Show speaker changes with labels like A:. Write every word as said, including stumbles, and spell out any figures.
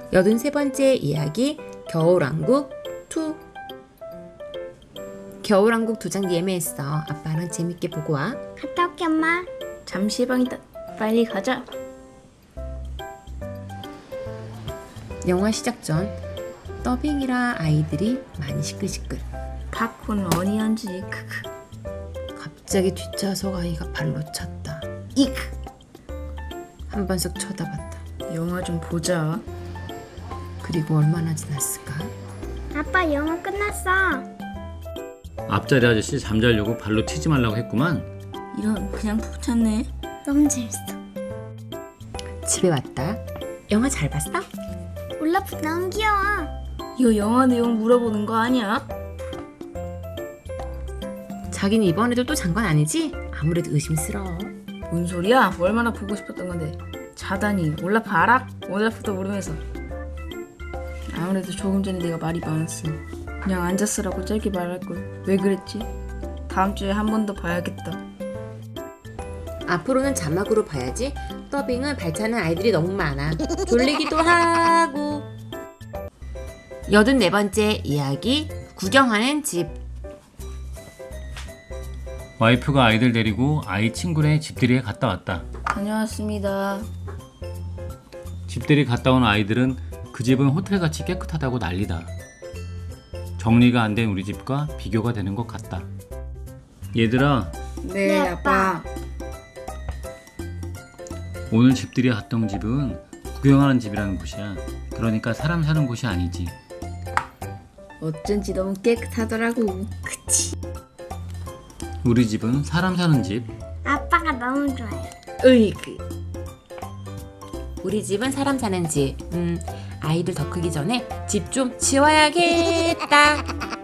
A: 여든세 번째 이야기 겨울왕국 이. 겨울왕국 두 장 예매했어. 아빠랑 재밌게 보고 와.
B: 갔다 올게 엄마.
C: 잠시 방이다. 빨리 가자.
A: 영화 시작 전 더빙이라 아이들이 많이 시끌시끌.
C: 팝콘 어니언지 크크.
A: 갑자기 뒷좌석 아이가 발로 찼다.
C: 이크.
A: 한 번 쓱 쳐다봤다.
C: 영화 좀 보자.
A: 그리고 얼마나 지났을까?
B: 아빠 영화 끝났어.
D: 앞자리 아저씨 잠자려고 발로 튀지 말라고 했구만.
C: 이런 그냥 푹 잤네.
B: 너무 재밌어.
A: 집에 왔다. 영화 잘 봤어?
B: 올라프 너무 귀여워.
C: 이거 영화 내용 물어보는 거 아니야?
A: 자기는 이번에도 또 잔 건 아니지? 아무래도 의심스러워.
C: 뭔 소리야? 얼마나 보고 싶었던 건데. 자다니 올라프 알아? 올라프도 모르면서. 아무래도 조금 전에 내가 말이 많았어. 그냥 앉았으라고 짧게 말할걸. 왜 그랬지? 다음 주에 한 번 더 봐야겠다.
A: 앞으로는 자막으로 봐야지. 더빙은 발차는 아이들이 너무 많아. 졸리기도 하고. 여든네 번째 이야기 구경하는 집.
D: 와이프가 아이들 데리고 아이 친구네 집들이에 갔다 왔다.
C: 다녀왔습니다.
D: 집들이 갔다 온 아이들은 그 집은 호텔같이 깨끗하다고 난리다. 정리가 안 된 우리 집과 비교가 되는 것 같다. 얘들아,
C: 네,
B: 네,
C: 아빠.
D: 오늘 집들이 갔던 집은 구경하는 집이라는 곳이야. 그러니까 사람 사는 곳이 아니지.
C: 어쩐지 너무 깨끗하더라고.
D: 우리 집은 사람 사는 집.
B: 아빠가 너무 좋아요.
C: 으이그.
A: 우리 집은 사람 사는 집. 음, 아이들 더 크기 전에 집 좀 치워야겠다.